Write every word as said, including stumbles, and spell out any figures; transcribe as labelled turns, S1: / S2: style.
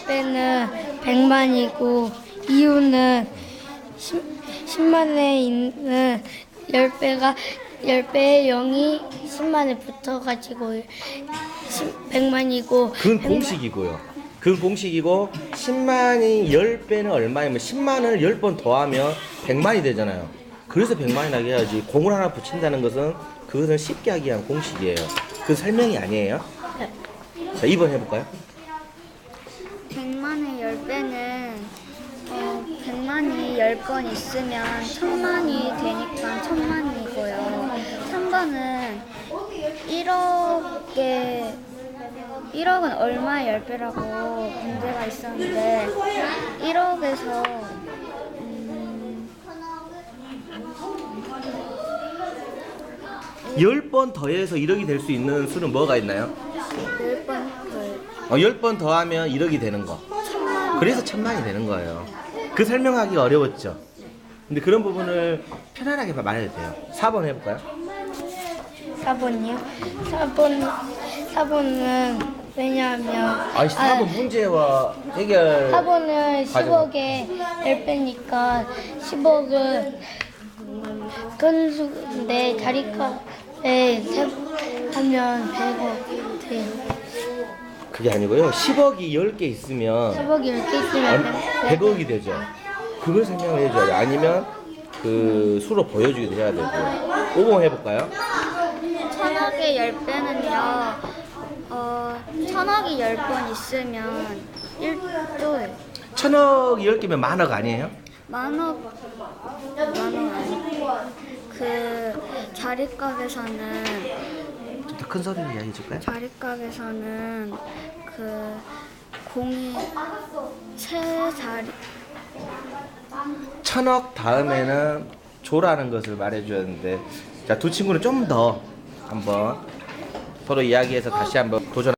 S1: 배는 백만이고 이유는 십만에 있는 십 배가 십 배의 영이 십만에 붙어가지고 백만이고
S2: 그건 공식이고요. 그건 공식이고 십만이 십 배는 얼마냐면 십만을 십 번 더하면 백만이 되잖아요. 그래서 백만이 나게 해야지 공을 하나 붙인다는 것은 그것은 쉽게 하기 위한 공식이에요. 그 설명이 아니에요.
S1: 네.
S2: 자, 이 번 해볼까요?
S3: 백만의 십 배는 어, 백만이 십 번 있으면 천만이 되니까 천만이고요. 삼 번은 일억에 일억은 얼마의 십 배라고 문제가 있었는데 일억에서 음,
S2: 십 번 더해서 일억이 될 수 있는 수는 뭐가 있나요?
S3: 십 번 더
S2: 어, 십 번 더하면 일억이 되는 거. 그래서 천만이 되는 거예요. 그 설명하기가 어려웠죠. 근데 그런 부분을 편안하게 말해도 돼요. 사 번 해볼까요?
S1: 사 번이요? 사 번, 사 번은 왜냐하면
S2: 아니, 사 번 문제와 해결.
S1: 사 번은
S2: 과정.
S1: 십억에 십 배니까 십억은 큰 수인데 자리값에 세 하면 백억 돼요.
S2: 그게 아니고요. 십억이 십 개 있으면
S1: 십억이 이렇게 있으면
S2: 백억이 되죠. 그걸 설명을 해줘야 돼. 아니면 그 수로 보여주기도 해야 되고. 오 번 해볼까요?
S3: 천억의 십 배는요, 어, 천억이 십 번 있으면 일조예요.
S2: 천억이 십 개면 만억 아니에요?
S3: 만억, 만억 아니고, 그, 자리값에서는,
S2: 좀 더 큰 소리로 이야기해 줄까요?
S3: 자리값에서는, 그, 공이 세 자리,
S2: 천억 다음에는 조라는 것을 말해줘야 되는데, 자, 두 친구는 좀 더 한번 서로 이야기해서 다시 한번 도전.